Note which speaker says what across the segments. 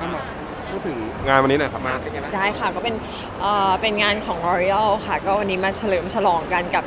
Speaker 1: เข้ามาพูดถึงงานวันนี้หน่อยครับมาเป็นไงบ้าง
Speaker 2: ได้ค่ะก็เป็นงานของ L'Oreal ค่ะก็วันนี้มาเฉลิมฉลองกันกับ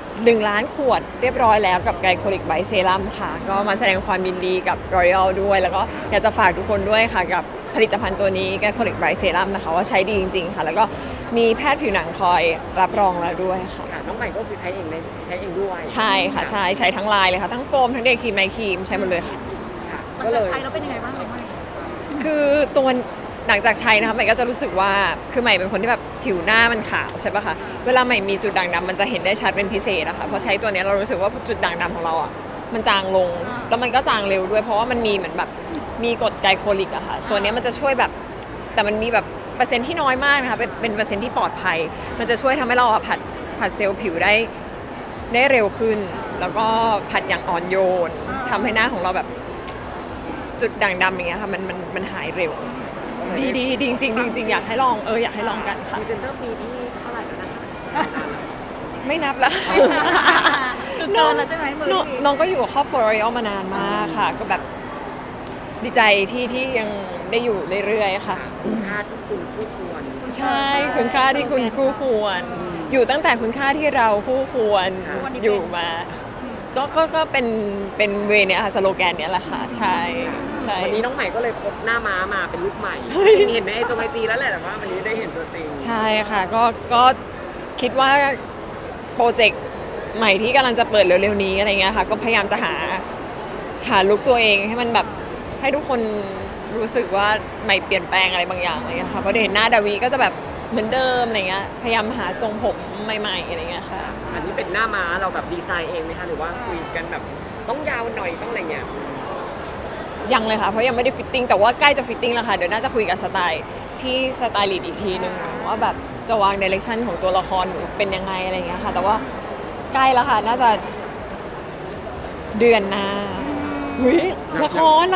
Speaker 2: 1 ล้านขวดเรียบร้อยแล้วกับไกลโคลิกไบเซรั่มค่ะก็มาแสดงความยินดีกับ L'Oreal ด้วยแล้วก็อยากจะฝากทุกคนด้วยค่ะกับผลิตภัณฑ์ตัวนี้ไกลโคลิกไบเซรั่มนะคะว่าใช้ดีจริงๆค่ะแล้วก็มีแพทย์ผิวหนังคอยรับรองแล้วด้วยค่ะ
Speaker 3: น้องใหม่ก็คือใช้เองด้วย
Speaker 2: ใช่ค่ะใช้ทั้งไลน์เลยค่ะทั้งโฟมทั้งเดย์ครีมไนท์ครีมใช้หมดเลยค่ะ
Speaker 3: ก็เลย
Speaker 4: ใช้แล้วเป็นยังไงบ้างน้องใหม่
Speaker 2: คือตัวหลังจากใช้นะคะใหม่ก็จะรู้สึกว่าคือใหม่เป็นคนที่แบบผิวหน้ามันขาวใช่ปะคะเวลาใหม่มีจุดด่างดำมันจะเห็นได้ชัดเป็นพิเศษนะคะพอใช้ตัวนี้เรารู้สึกว่าจุดด่างดำของเราอ่ะมันจางลงแล้วมันก็จางเร็วด้วยเพราะว่ามันมีเหมือนแบบมีกรดไกลโคลิกอะค่ะตัวนี้มันจะช่วยแบบแต่มันมีแบบเปอร์เซ็นต์ที่น้อยมากนะคะเป็นเปอร์เซ็นต์ที่ปลอดภัยมันจะช่วยทำให้เราผัดเซลล์ผิวได้เร็วขึ้น แล้วก็ผัดอย่างอ่อนโยนทำให้หน้าของเราแบบจุดด่างดำอย่างเงี้ยค่ะมันหายเร็วดีจริงอยากให้ลองอยากให้ลองกันค่ะ
Speaker 3: พรีเซนเตอร์ปีที่เท่าไหร่แล้วนะคะ
Speaker 2: ไม่นับแล้ว
Speaker 4: คือเกินแล้วใช่ไหมมือ
Speaker 2: น้องก็อยู่กับครอบครัว Royal มานานมากค่ะ ก็แบบดีใจที่ยังได้อยู่เรื่อยๆค่ะ
Speaker 3: คุณค่าที่คุณคู่ควร
Speaker 2: ใช่คุณค่าที่คุณคู่ควร อยู่ตั้งแต่คุณค่าที่เราคู่ควรอยู่มาก็เป็นเวเนี้ยค่ะสโลแกนเนี้ยแหละค่ะใช่
Speaker 3: วันนี้น้องใหม่ก็เลยพบหน้าม้ามาเป็นลูกใหม่เห็นในไอจีแล้วแหละแต่ว่าวันนี้ได้เห็นตัวจริง
Speaker 2: ใช่ค่ะก็คิดว่าโปรเจกต์ใหม่ที่กำลังจะเปิดเร็วๆนี้อะไรเงี้ยค่ะก็พยายามจะหาลุคตัวเองให้มันแบบให้ทุกคนรู้สึกว่าใหม่เปลี่ยนแปลงอะไรบางอย่างอะไรเงี้ยค่ะพอได้เห็นหน้าดาวีก็จะแบบเหมือนเดิมอะไรเงี้ยพยายามหาทรงผมใหม่ๆอะไรเงี้ยค่ะ
Speaker 3: อันนี้เป็นหน้าม้าเราแบบดีไซน์เองไหมคะหรือว่าคุยกันแบบต้องยาวหน่อยต้องอะไรเงี้ย
Speaker 2: ยังเลยค่ะเพราะยังไม่ได้ฟิตติ้งแต่ว่าใกล้จะฟิตติ้งแล้วค่ะเดี๋ยวน่าจะคุยกับสไตล์พี่สไตลิสต์อีกทีนึงว่าแบบจะวางดิเรกชันของตัวละครเป็นยังไงอะไรเงี้ยค่ะแต่ว่าใกล้แล้วค่ะน่าจะเดือนหน้าหุยละคร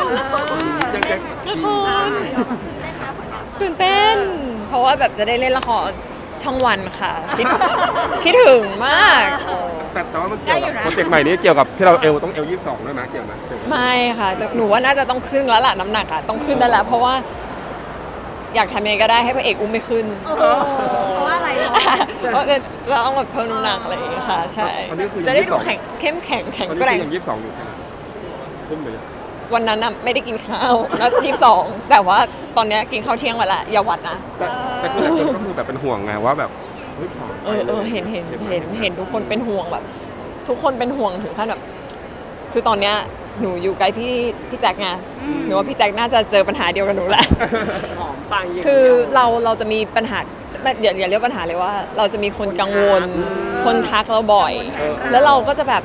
Speaker 2: ตื่นเต้นเพราะว่าแบบจะได้เล่นละครช่องวันค่ะคิดถึงมาก
Speaker 1: แต่ว่ามันเกี่ยวกับโปรเจกต์ใหม่นี้เกี่ยวกับที่เราต้อง22ด้วยนะเกี่ยวไหม
Speaker 2: ไม่ค่ะแต่หนูว่าน่าจะต้องขึ้นแล้วล่ะน้ำหนักอ่ะต้องขึ้นแล้วแหละเพราะว่าอยากทำยังไงก็ได้ให้พระเอกอุ้มไม่ขึ้น
Speaker 4: เพราะว่าอะไรเนาะ
Speaker 2: เพราะจะต้องแบบเพิ่มน้ำหนักอะไรอย่างเงี้ยค่ะใช่จะได้ดูเข้มแข็งแข็งแกร่ง
Speaker 1: ยัง22อยู่ใช่ไหมทุ่มเลย
Speaker 2: วันนั้นน่ะไม่ได้กินข้าวแล้ว22แต่ว่าตอนนี้กินข้าวเที่ยงมาละอย่าวัดนะ
Speaker 1: แต่คือหลายคนก็คือแบบเป็นห่วงไงว่าแบบ
Speaker 2: เห็นทุกคนเป็นห่วงแบบทุกคนเป็นห่วงถึงขั้นแบบคือตอนเนี้ยหนูอยู่ใกล้พี่แจ็คไงหนูว่าพี่แจ็คน่าจะเจอปัญหาเดียวกับหนูแหละ
Speaker 3: หอมปัง
Speaker 2: คือเราจะมีปัญหาอย่าเรียกปัญหาเลยว่าเราจะมีคนกังวลคนทักเราบ่อยแล้วเราก็จะแบบ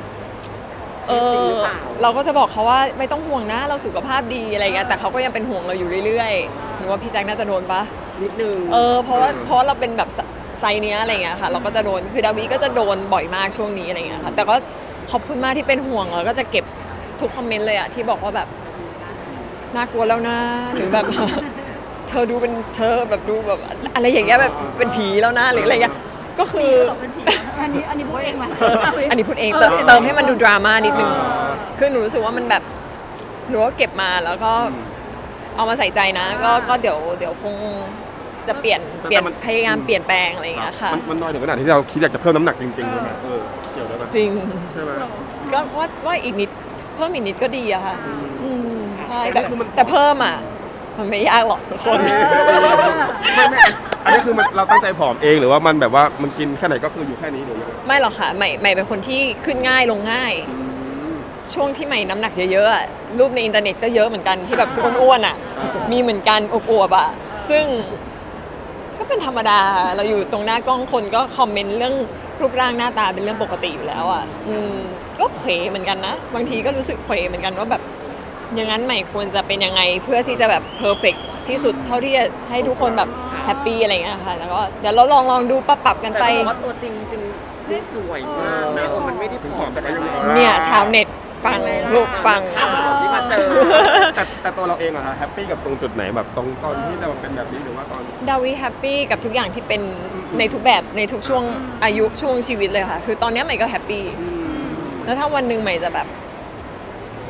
Speaker 2: เราก็จะบอกเขาว่าไม่ต้องห่วงนะเราสุขภาพดีอะไรเงี้ยแต่เขาก็ยังเป็นห่วงเราอยู่เรื่อยๆหนูว่าพี่แจ็คน่าจะโดนปะ
Speaker 3: นิดนึง
Speaker 2: เพราะว่าเราเป็นแบบไซเนี้ยอะไรเงี้ยค่ะเราก็จะโดนคือดาวีก็จะโดนบ่อยมากช่วงนี้อะไรเงี้ยค่ะแต่ก็ขอบคุณมากที่เป็นห่วงแล้วก็จะเก็บทุกคอมเมนต์เลยอะที่บอกว่าแบบน่ากลัวแล้วนะหรือแบบ เธอแบบดูแบบอะไรอย่างเงี้ยแบบเป็นผีแล้วนะหรืออะไรเงี้ยก็คือ
Speaker 4: อันนี้พูดเองไหม
Speaker 2: อันนี้พูดเองเติมให้มันดูดราม่านิดนึงคือหนูรู้สึกว่ามันแบบหนูก็เก็บมาแล้วก็เอามาใส่ใจนะก็เดี๋ยวคงจะเปลี่ยนพยายามเปลี่ยนแปลงอะไรอย่างเงี้ยค่ะ
Speaker 1: มันน้อยถึงขนาดที่เราคิดอยากจะเพิ่มน้ำหนักจริงๆใช่ไหมเกี่ยวด้วยไหม
Speaker 2: จริง
Speaker 1: ใช่ไหม
Speaker 2: ก็ว่าอีกนิดเพิ่มอีกนิดก็ดีอะค่ะใช่แต่เพิ่มอะมันไม่ยากหรอกทุกคน
Speaker 1: ไม่อันนี้คือเราตั้งใจผอมเองหรือว่ามันแบบว่ามันกินแค่ไหนก็คืออยู่แค่นี้หรือยังไง
Speaker 2: ไม่หรอกค่ะใหม่เป็นคนที่ขึ้นง่ายลงง่ายช่วงที่ใหม่น้ำหนักเยอะๆรูปในอินเทอร์เน็ตก็เยอะเหมือนกันที่แบบอ้วนๆอะมีเหมือนกันอวบๆอะซึ่งก็เป็นธรรมดาเราอยู่ตรงหน้ากล้องคนก็คอมเมนต์เรื่องรูปร่างหน้าตาเป็นเรื่องปกติอยู่แล้วอ่ะก็เขวเหมือนกันนะบางทีก็รู้สึกเขวเหมือนกันว่าแบบอย่างนั้นใหม่ควรจะเป็นยังไงเพื่อที่จะแบบเพอร์เฟกต์ที่สุดเท่าที่จะให้ทุกคนแบบแฮปปี้อะไรเงี้ยค่ะแล้วก็เดี๋ยวเราลองดูปรับกันไป
Speaker 3: แต่ว่าตัวจริงได้สวยมากนะมันไม่ได้ผอมแต่ก็ยัง
Speaker 2: เนี่ยชาวเน็ตฟังลูกฟัง
Speaker 3: ที่มาเจอ
Speaker 1: แต่ตัวเราเองอะฮะแฮปปี้กับตรงจุดไหนแบบตรงตอนที่เราเป็นแบบนี้หรือว่าตอน
Speaker 2: ดาวีแฮปปี้กับทุกอย่างที่เป็นในทุกแบบในทุกช่วงอายุช่วงชีวิตเลยค่ะคือตอนนี้ใหม่ก็แฮปปี้แล้วถ้าวันหนึ่งใหม่จะแบบ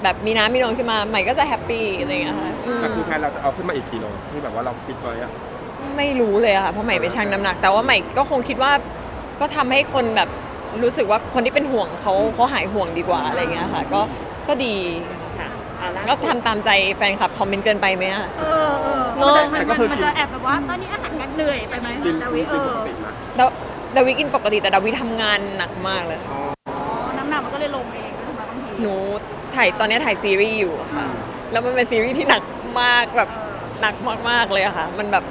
Speaker 2: แบบมีน้ำมีนวลขึ้นมาใหม่ก็จะแฮปปี้อะไรอย่างเงี้ยค่ะอืม
Speaker 1: แต่คือแพลนเราจะเอาขึ้นมาอีกกี่โลที่แบบว่าเราคิดไว้อะ
Speaker 2: ไม่รู้เลยอะค่ะเพราะใหม่ไปชั่งน้ำหนัก แต่ว่าใหม่ก็คงคิดว่าก็ทำให้คนแบบรู้สึกว่าคนที่เป็นห่วงเขาหายห่วงดีกว่าอะไรอย่างเงี้ยค่ะก็ดี
Speaker 3: ค่ะอ่ะล่าสุด
Speaker 2: ก็ทำตามใจแฟนคลับคอมเมนต์เกินไปไหมอะ
Speaker 4: เออ
Speaker 2: เนอะ
Speaker 4: มันจะแอบแบบว่าตอนนี้อาหารกันเหนื่อยไปไหม
Speaker 1: กิน
Speaker 4: ดาวิ
Speaker 1: กินปกตินะ
Speaker 2: ดาวิกินปกติแต่ดาวิทำงานหนักมากเลยค่ะ
Speaker 4: อ๋อน้ำหนักมันก็เลยลงเองก็จะมาบางที
Speaker 2: หนูตอนนี้ถ่ายซีรีส์อยู่อะค่ะ แล้วมันเป็นซีรีส์ที่หนักมากแบบหนักมากๆเลยอะค่ะ มันแบบ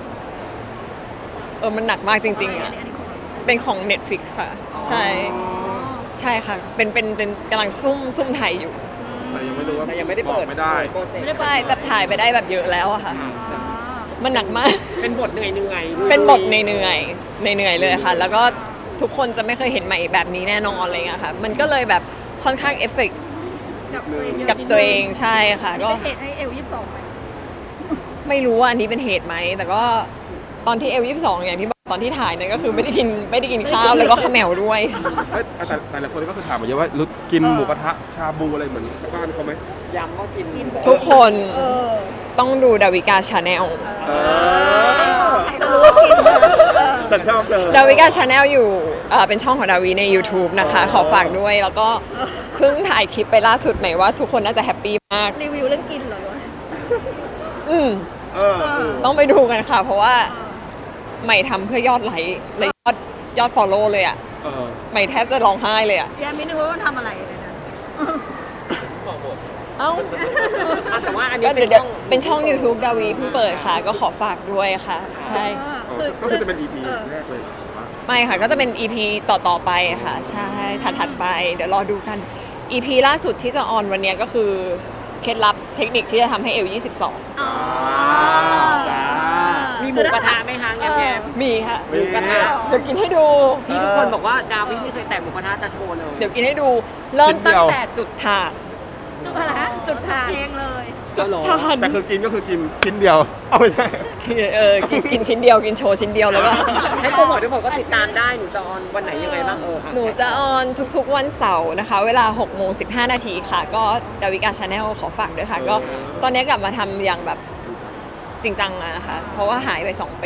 Speaker 2: มันหนักมากจริงๆอะ
Speaker 4: อันนี้ของเรา
Speaker 2: เป็นของ Netflix ค่ะ ใช่ ใช่ค่ะ เป็นกำลังซุ่มถ่ายอยู่
Speaker 1: แต่ยังไม่รู้ว่า
Speaker 3: แต่ยังไม่ได้
Speaker 1: บ
Speaker 3: เปิ
Speaker 1: อ
Speaker 3: ด
Speaker 1: กไม่ได้
Speaker 3: โปรเจกต์
Speaker 2: ใช่แต่ถ่ายไปได้แบบเยอะแล้วอะค่ะ
Speaker 4: อ๋อ
Speaker 2: มันหนักมาก
Speaker 3: เป็นบทเหนื่อยๆ
Speaker 2: เป็นบทเหนื่อยเลยค่ะ แล้วก็ทุกคนจะไม่เคยเห็นใหม่แบบนี้แน่นอนอะไรเงี้ยค่ะ มันก็เลยแบบค่อนข้างเอฟเฟกต์
Speaker 4: กับตัวเองเยอะ
Speaker 2: กับตัวเองใช่ค่ะ
Speaker 4: ก็
Speaker 2: ก็
Speaker 4: เหตุให้เอล22ไป
Speaker 2: ไม่รู้ว่าอันนี้เป็นเหตุไหม แต่ก็ตอนที่เอล22อย่างที่บอกตอนที่ถ่ายเนี่ยก็คือไม่ได้กินข้าวแล้วก็เขมวด้วย
Speaker 1: เอ้ยแต่หลายคนก็คือถามมาเยอะว่ารู้กินหมูกระทะชาบูอะไรเหมือนบ้านเขาไหม
Speaker 3: ย้ำว่ากิน
Speaker 2: ทุกคน
Speaker 4: เออ
Speaker 2: ต้องดูดาวิกาชาแนล
Speaker 4: จะรู้ว่ากินเออ
Speaker 1: ฉันชอบเลย
Speaker 2: ดาวิกาชาแนลอยู่เป็นช่องของดาวิใน YouTube นะคะ ขอฝากด้วย แล้วก็เพิ่งถ่ายคลิปไปล่าสุดไหนว่าทุกคนน่าจะแฮปปี้มาก
Speaker 4: รีวิวเรื่องกินเหรอวะ
Speaker 2: อืม
Speaker 1: เออ
Speaker 2: ต้องไปดูกันค่ะ เพราะว่าใหม่ทำเพื่อยอดไลค์และยอด follow เลยอ่ะ
Speaker 1: เออ
Speaker 2: ใหม่แทบจะร้องไห้เลยอ่ะ
Speaker 4: ยังไม่นึกว่ามันทำอะไรเลยนะ
Speaker 2: เอ้า
Speaker 3: อ่ะแต่ว่าอันนี้
Speaker 2: ก็
Speaker 3: เป็น
Speaker 2: เดี๋ยว
Speaker 3: ช่อง
Speaker 2: เป็นช่อง YouTube ดาวีเพิ่งเปิดค่ะ ก็ขอฝากด้วยค่ะ ใช่
Speaker 1: ก็คือจะเป็น EP แรกเลยเหรอวะ
Speaker 2: ไม่ค่ะ ก็จะเป็น EP ต่อไปค่ะ ใช่ ถัดไป เดี๋ยวรอดูกัน EP ล่าสุดที่จะออนวันเนี้ยก็คือ เคล็ดลับเทคนิคที่จะทำให้เอล 22
Speaker 4: อ๋อ
Speaker 1: จ้า
Speaker 3: มีหมูกระทะไหมคะแง้ม
Speaker 2: มีค่ะ
Speaker 3: ๆหมูกระทะ
Speaker 2: เดี๋ยวกินให้ดู
Speaker 3: ที่ทุกคนบอกว่าดาวิไม่เคยแตะหมูกระทะจะโชว์เลย
Speaker 2: เดี๋ยวกินให้ดู เริ่มตั้งแต่จุดถ่าน
Speaker 4: จุดอะไรนะจุดทางเองเลย
Speaker 3: จุดหรอ
Speaker 2: ถ่าน
Speaker 1: แต่คือกินก็คือกินชิ้นเดียว เอาไม่ใช่
Speaker 2: กินชิ้นเดียว กินโชว์ชิ้นเดียวแล้วก็
Speaker 3: ให้โปรโมททุกคนก็ติดตามได้หนูจะออนวันไหนยังไงบ้างค่ะ
Speaker 2: หนูจะออนทุกๆวันเสาร์นะคะ เวลา6โมง15 นาทีค่ะ ก็ดาวิกาชาแนลขอฝากด้วยค่ะ ก็ตอนนี้กลับมาทำอย่างแบบจริงจังแล้วนะคะ เพราะว่าหายไป 2 ปี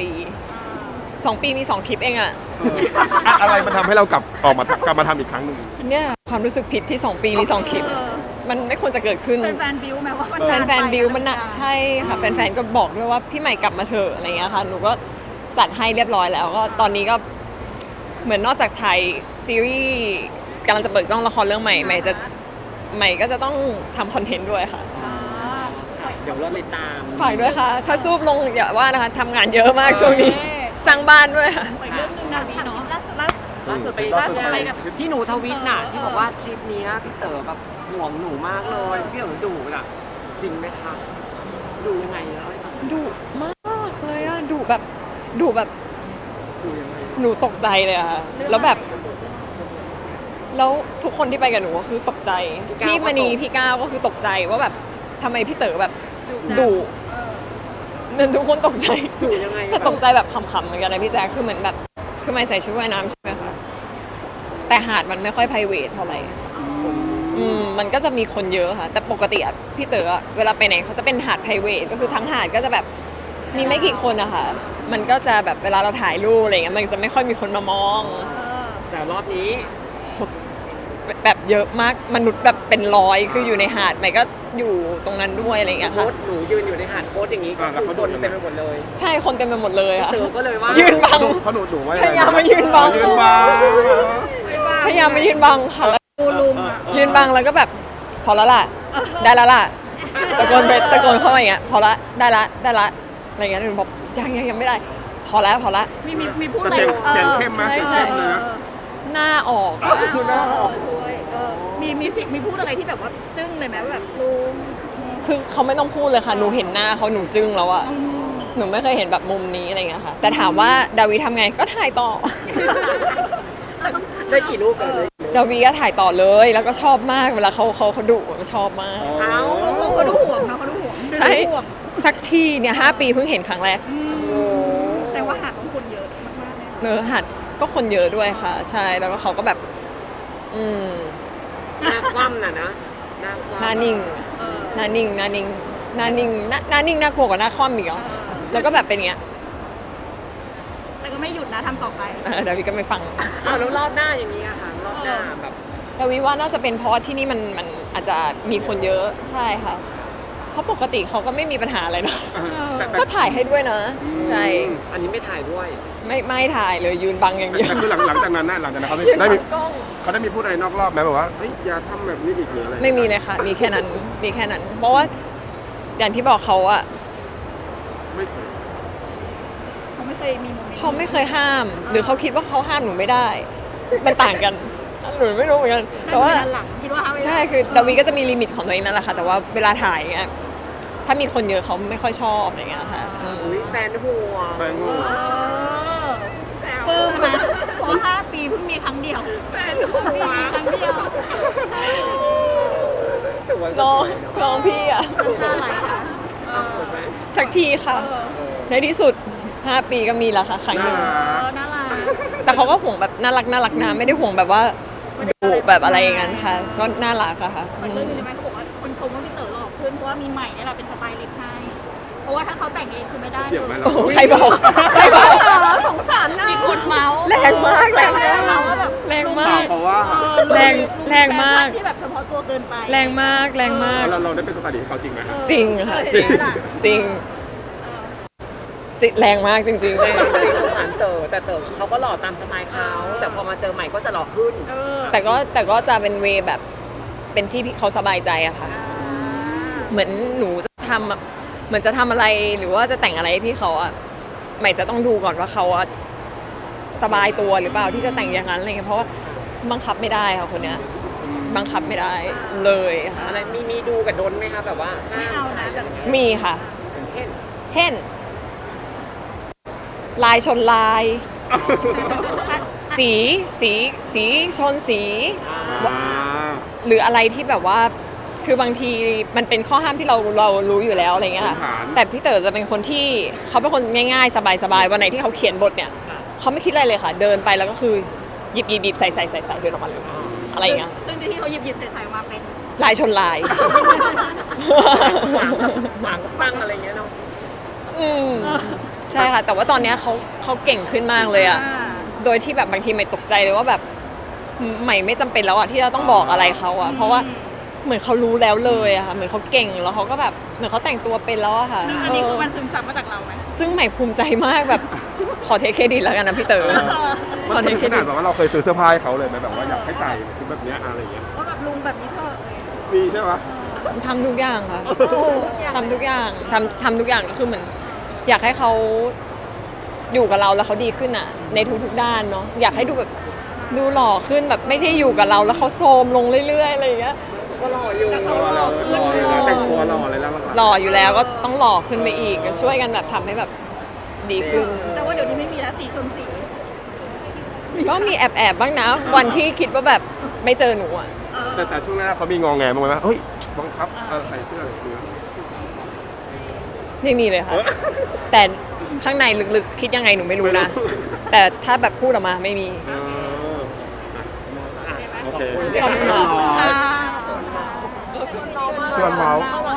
Speaker 2: 2 ปีมี 2 คลิปเองอะ
Speaker 1: อะไรมันทำให้เรากลับมาทำอีกครั้งหนึ่ง
Speaker 2: เนี่ยความรู้สึกผิดที่ 2 ปีมี 2 คลิป มันไม่ควรจะเกิดขึ้น
Speaker 4: เป็นแฟนบิวไหมว่ามัน
Speaker 2: แฟนบิวมันหนักใช่ค่ะแฟนๆก็บอกด้วยว่าพี่ใหม่กลับมาเถอะอะไรเงี้ยค่ะหนูก็จัดให้เรียบร้อยแล้วก็ตอนนี้ก็เหมือนนอกจากถ่ายซีรีส์กำลังจะเปิดกล้องละครเรื่องใหม่ใหม่ก็จะต้องทำคอนเทนต์ด้วยค่ะ
Speaker 3: เดี๋ยวเราติดตาม
Speaker 2: ฝากด้วยค่ะ ถ้าซูบลงอย่าว่านะคะทำงานเยอะมากช่วงนี้สร้างบ้านด้วยค่ะ
Speaker 4: อีกเรื่องหนึงดาวีเนาะล่าสุด
Speaker 3: ล่าสุดไปกับที่หนูทวิตน่ะที่บอกว่าทริปนี้พี่เต๋อแบบห่วงหนูมากเลยพี่เต๋อดุน่ะจริงไหมคะดูยังไงเล่าให้ฟัง
Speaker 2: ดุมากเลยอะดุแบบดุแบบ
Speaker 3: ดูยังไง
Speaker 2: หนูตกใจเลยอะค่ะแล้วแบบ แล้วทุกคนที่ไปกับหนูก็คือตกใจ พี่มณีพี่ก้าวก็คือตกใจว่าแบบทำไมพี่เต๋อแบบดุเนี่ยทุกคนตกใจ
Speaker 3: ดูยังไง
Speaker 2: แต่ตกใจแบบขำๆเหมือนกันนะพี่แจ๊คคือเหมือนแบบคือไม่ใส่ชุดว่ายน้ำใช่ไหมคะแต่หาดมันไม่ค่อยไพรเวทเท่าไหร่มันก็จะมีคนเยอะค่ะ แต่ปกติอะพี่เต๋ออะเวลาไปไหนเขาจะเป็นหาดไพรเวทก็คือทั้งหาดก็จะแบบมีไม่กี่คนอะค่ะมันก็จะแบบเวลาเราถ่ายรูปอะไรเงี้ยมันจะไม่ค่อยมีคนมามอง
Speaker 3: แต่รอบนี้
Speaker 2: แบบเยอะมากมนุษย์แบบเป็นร้อยคืออยู่ในหาดใหม่ก็อยู่ตรงนั้นด้วยอะไรอย่างเงี้ย
Speaker 3: โพ
Speaker 2: ค่ะ
Speaker 3: สต์หนูยืนอยู่ในหาดโพสต์อย่างนี้ก็คือคนเต็มไปหมดเลย
Speaker 2: ใช่คนเต็มไปหมดเลยค่ะ
Speaker 3: เต๋อก็เลยว่า
Speaker 2: ยืนบัง
Speaker 1: เขาหนูไว้
Speaker 2: พยายามมายืนบัง
Speaker 1: ยืนบัง
Speaker 2: พยายามมายืนบังค่ะแล้ว
Speaker 4: กูลุม
Speaker 2: ยืนบังแล้วก็แบบพอแล้วล่ะ ได้แล้วล่ะตะโกนไปตะโกนเข้ามาอย่างเงี้ยพอละได้ละอะไรอย่างเงี้ยหนูบอกยังไม่ได้ พอแล้ว
Speaker 4: มีพูด
Speaker 1: แต่
Speaker 4: อะไร
Speaker 1: เสียงเข้มไหม
Speaker 2: ใช่
Speaker 1: เข้มเลยนะ
Speaker 2: หน้าออก
Speaker 1: คือหน้าออก
Speaker 4: ช่วยมีสิ่งมีพูดอะไรที่แบบว่าจึ้งเลยไหมว่าแบบลุม
Speaker 2: คือเขาไม่ต้องพูดเลยค่ะหนูเห็นหน้าเขาหนูจึ้งแล้วอะหนูไม่เคยเห็นแบบมุมนี้อะไรเงี้ยค่ะ แต่ถามว่าดาวีทำไงก็ถ่ายต่อ
Speaker 3: ได้กี่รูปเลย
Speaker 2: ดาวีก็ถ่ายต่อเลย แล้วก็ชอบมากเวลาเขาดุก็ชอบมาก
Speaker 3: เอ้า
Speaker 4: เขาดูห่วงนะเขาดูห่วง
Speaker 2: ใช่
Speaker 4: ดูห่วง
Speaker 2: สักทีเนี่ย5 ปีเพิ่งเห็นครั้งแรก
Speaker 4: แต่ว่าหาดของคนเยอะมากๆเลย
Speaker 2: เนื้อหัดก็คนเยอะด้วยค่ะ ใช่แล้วก็เขาก็แบบ
Speaker 3: หน้าคว่ำน่ะนะหน้าคว่ำ
Speaker 2: หน้านิ่งหน้านิ่งหน้านิ่งหน้านิ่งหน้านิ่งน่ากลัวกว่าหน้าคว่ำอีกเหรอแล้วก็แบบเป็นอย่างเงี้ย
Speaker 4: แต่ก็ไม่หยุดนะทำต่อไป
Speaker 2: เดี๋ยวพี่ก็ไม่ฟัง
Speaker 3: อ้าวแล้วรอบหน้าอย่างนี้อะค่ะรอบหน้าแบบ
Speaker 2: แต่วิว่าน่าจะเป็นเพราะว่าที่นี่มันอาจจะมีคนเยอะใช่ค่ะ เพราะปกติเขาก็ไม่มีปัญหาอะไรเนาะ
Speaker 1: แต่แต่
Speaker 2: ก็ถ่ายให้ด้วยนะใช่
Speaker 3: อันนี้ไม่ถ่ายด้วย
Speaker 2: ไม่ถ่ายเลยยืนบังอย่างเดียว
Speaker 1: แต่คือหลังจากนั้นนะหลังจากนั้นเขา
Speaker 2: ยืน
Speaker 1: ได้
Speaker 2: บั
Speaker 1: มี
Speaker 2: งกล้อง
Speaker 1: เขาได้มีพูดอะไรนอกรอบไหมแบบว่าเฮ้ยอย่าทำแบบนี้อีกหรืออะไร
Speaker 2: ไม่มีเลยค่ะ มีแค่นั้นมีแค่นั้น เพราะว่าอย่างที่บอกเขาอะ
Speaker 1: ไม่เคย
Speaker 4: เขาไม่เคยมีโมเมนต์
Speaker 2: เขาไม่เคยห้าม หรือเขาคิดว่าเขาห้ามหนูไม่ได้ มันต่างกันหนูไม่รู้เหมือนกันแต่ว่า
Speaker 4: หลังคิดว่าเขาไม่ได้
Speaker 2: ใช่คือดาวีก็จะมีลิมิตของตัวเองนั่นแหละค่ะ แต่ว่าเวลาถ่ายเงี้ยถ้ามีคนเยอะเขาไม่ค่อยชอบอะไรเงี้ยค่ะ
Speaker 3: อุ้ยแฟนหัว
Speaker 1: แปลงงู
Speaker 4: ปลื้มนะเพราะ5 ปีเพิ่งมีครั้งเดียวแฟนหัวครั้งเดียว
Speaker 3: สวย
Speaker 2: น้องพี่อะ
Speaker 4: น่ารักค่ะ
Speaker 3: สวยไหม
Speaker 2: สักทีค่ะ ในที่สุด 5 ปีก็มีแล้วค่ะครั้งหนึ่ง
Speaker 4: น่ารัก
Speaker 2: แต่เขาก็ห่วงแบบน่ารักนะไม่ได้ห่วงแบบว่าดุแบบอะไรอย่างนั้นค่ะ ก็น่ารักอะค่ะ
Speaker 4: มันเรื่องนี้ไหมเขาบอกว่าคนชมว่าพี่เต๋อหล่อขึ้นเพราะว่ามีใหม่เนี่ยแหละเป็นสไตล์ลิสต์ให้เพราะว่าถ้าเขาแต่งเองคือไม่ได้เล
Speaker 1: เกี่ยวย ไหมเรา
Speaker 2: โอ้โหใครบอกใครบอก
Speaker 4: สงสารนะมีคนเมาส์
Speaker 2: แรงมากแรงมาก
Speaker 4: เมาส์ว่าแบบ
Speaker 2: แรงมาก
Speaker 1: เพราะว่า
Speaker 2: แรงมาก
Speaker 4: ที่แบบเฉพาะตัวเกินไป
Speaker 2: แรงมากแรงมาก
Speaker 1: เราได้เป็นสไตลิสต์ให้เขาจริงไหม
Speaker 2: จริงค่ะจริงจริงแรงมากจริง
Speaker 3: จริงสงสารเต๋อแต่เต๋อเขาก็หล่อตามสไตล์เขาแต่พอมาเจอใหม่ก็จะหล่อขึ้น
Speaker 2: ๆแต่ก็จะเป็นเวย์แบบเป็นที่พี่เขาสบายใจอะค่ะ เหมือนหนูจะทำแบบเหมือนจะทำอะไรหรือว่าจะแต่งอะไรให้พี่เขาอะใหม่จะต้องดูก่อนว่าเขาอะสบายตัวหรือเปล่าที่จะแต่งอย่างนั้นอะไรเงี้ยเพราะว่าบังคับไม่ได้ค่ะคนเนี้ยบังคับไม่ได้เลยค่ะ
Speaker 3: อะไรมีดูกับดนไหมคะแบบว่าห้
Speaker 4: ไม่เอานะ
Speaker 3: จะ
Speaker 2: มีค่ะ
Speaker 3: เช่น
Speaker 2: เช่น ลายชนลาย สีชนสี หรืออะไรที่แบบว่าคือบางทีมันเป็นข้อห้ามที่เรารู้อยู่แล้วอะไรเงี้ยค่ะ
Speaker 1: พื้นฐาน
Speaker 2: แต่พี่เต๋อจะเป็นคนที่เขาเป็นคนง่ายๆ สบายๆวันไหนที่เขาเขียนบทเนี่ยเขาไม่คิดอะไรเลยค่ะ เดินไปแล้วก็คือหยิบใส่เดินออกมาเลยอะไรอย่างเงี้ย
Speaker 4: ซึ่งที่เขาหยิบใส่ๆมาเป็น
Speaker 2: ลายชนลาย
Speaker 3: หวังปังอะไรเงี้ยเนาะ
Speaker 2: อืมใช่ค่ะ แต่ว่าตอนเนี้ยเขาเก่งขึ้นมากเลยอะโดยที่แบบบางทีไม่ตกใจเลยว่าแบบใหม่ไม่จำเป็นแล้วอะที่เราต้องบอกอะไรเขาอะเพราะว่าเหมือนเขารู้แล้วเลยอะค่ะเหมือนเขาเก่งแล้วเขาก็แบบเหมือนเขาแต่งตัวเป็นแล้วอะค่ะ
Speaker 4: ซึ่งอันนี้คือมันซึมซับมาจากเราไหม
Speaker 2: ซึ่งใหม่ภูมิใจมากแบบขอเทคเครดิตแล้วกันนะพี่เต๋อ
Speaker 1: มันถึงขนาดแบบว่าเราเคยซื้อเสื้อผ้าให้เขาเลยไหมแบบว่าอยากให้ใส่ชุดแบบเนี้ยอะไรอย่างเงี้ย
Speaker 4: ว่าแบบลุงแบบนี้เถอะ
Speaker 1: มีใช่ไหม
Speaker 2: ทำทุกอย่างค่ะทำทุกอย่างทำทุกอย่างก็คือเหมือนอยากให้เขาอยู่กับเราแล้วเขาดีขึ้นอ่ะ ในทุกๆด้านเนาะอยากให้ดูแบบดูหล่อขึ้นแบบไม่ใช่อยู่กับเราแล้วเขาโทรมลงเรื่อยๆอะไรอย่างเงี้ย
Speaker 3: ก็หล่ออยู่
Speaker 1: รอเลยนะแต่งตัวรอเลยแล้ว
Speaker 2: หล่ออยู่แล้วก็ต้องหล่อขึ้นไปอีกก็ช่วยกันแบบทำให้แบบดีขึ้น
Speaker 4: แต่ว่าเดี๋ยวนี้ไม่มีแล้วสีชนสี
Speaker 2: ก็มีแอบบ้างนะ วันที่คิดว่าแบบไม่เจอหนูอ่ะ
Speaker 1: แต่ช่วงแรกเขามีงอแงบ้างไหมว่าเฮ้ยบังคับใส่เสื้ออะไรอย่างเงี้ย
Speaker 2: ไม่มีเลยค่ะ แต่ข้างในลึกๆคิดยังไงหนูไม่รู้นะ แต่ถ้าแบบพูดออกมาไม่มี
Speaker 1: โอเค
Speaker 2: ขอบคุณค่ะ
Speaker 4: อ่า
Speaker 1: ชวนเมาส์
Speaker 2: น่ารั